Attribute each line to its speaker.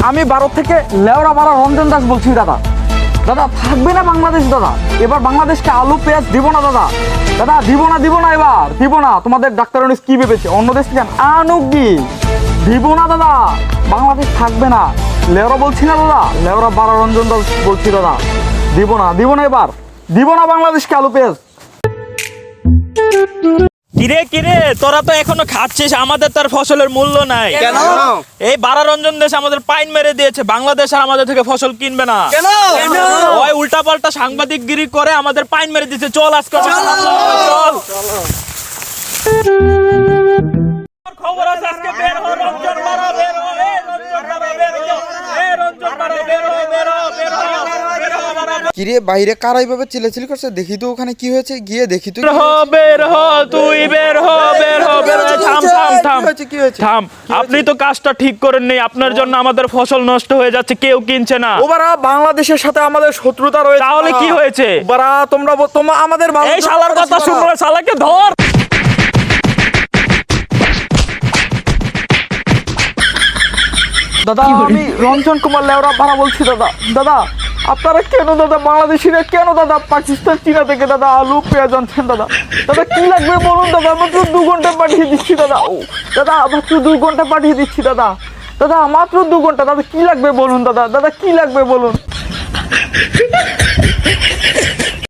Speaker 1: আমি ভারত থেকে লেওড়া পাড়া রঞ্জন দাস বলছি দাদা। দাদা থাকবে না বাংলাদেশ দাদা, এবার বাংলাদেশকে আলু পেঁয়াজ দিব না দাদা। দাদা দিব না এবার দিব না। তোমাদের ডাক্তার কি ভেবেছে অন্য দেশ থেকে আনুক কি দিব না দাদা, বাংলাদেশ থাকবে না। লেওরা বলছি না দাদা, লেওরা পাড়া রঞ্জন দাস বলছি দাদা, দিব না এবার দিব না বাংলাদেশকে আলু পেঁয়াজ।
Speaker 2: কিরে কিরে তোরা তো এখনো খাচ্ছিস, আমাদের তার ফসলের মূল্য নাই
Speaker 3: কেন?
Speaker 2: এই বারা রঞ্জন দেশ আমাদের পাইন মেরে দিয়েছে, বাংলাদেশ আর আমাদের থেকে ফসল কিনবে না।
Speaker 3: কেন?
Speaker 2: ওই উল্টা পাল্টা সাংবাদিকগিরি করে আমাদের পাইন মেরে দিয়েছে। চল আজকে চল খবর আছে আজকে বের হ রঞ্জন মারা বের হ এ রঞ্জন মারা বের হ এ রঞ্জন মারা বের হ বের হ বের হ বের হ মারা
Speaker 4: কিরে বাইরে কারা এইভাবে চিল্লাচিল্লি করছে, দেখি তো ওখানে কি হয়েছে, গিয়ে দেখি তো।
Speaker 2: বের হ তুই বের হ বের হ বের হ। থাম থাম থাম
Speaker 4: কি হয়েছে?
Speaker 2: থাম, আপনি তো কাজটা ঠিক করেন নি, আপনার জন্য আমাদের ফসল নষ্ট হয়ে যাচ্ছে, কেউ কিনছে না।
Speaker 1: ওবারা বাংলাদেশের সাথে আমাদের শত্রুতা রয়েছে।
Speaker 2: তাহলে কি হয়েছে?
Speaker 1: ওবারা তোমরা আমাদের
Speaker 2: এই শালার কথা শুনলে শালাকে ধর।
Speaker 1: দাদা আমি রঞ্জন কুমার লেওরা পাড়া বলছি দাদা। দাদা আপনারা কেন দাদা বাংলাদেশিরা কেন দাদা পাকিস্তান চীনা থেকে দাদা আলু পেঁয়াজ আনছেন দাদা? দাদা কি লাগবে বলুন দাদা, মাত্র 2 ঘন্টা পাঠিয়ে দিচ্ছি দাদা। ও দাদা মাত্র 2 ঘন্টা পাঠিয়ে দিচ্ছি দাদা। দাদা মাত্র 2 ঘন্টা, দাদা কি লাগবে বলুন দাদা, দাদা কি লাগবে বলুন।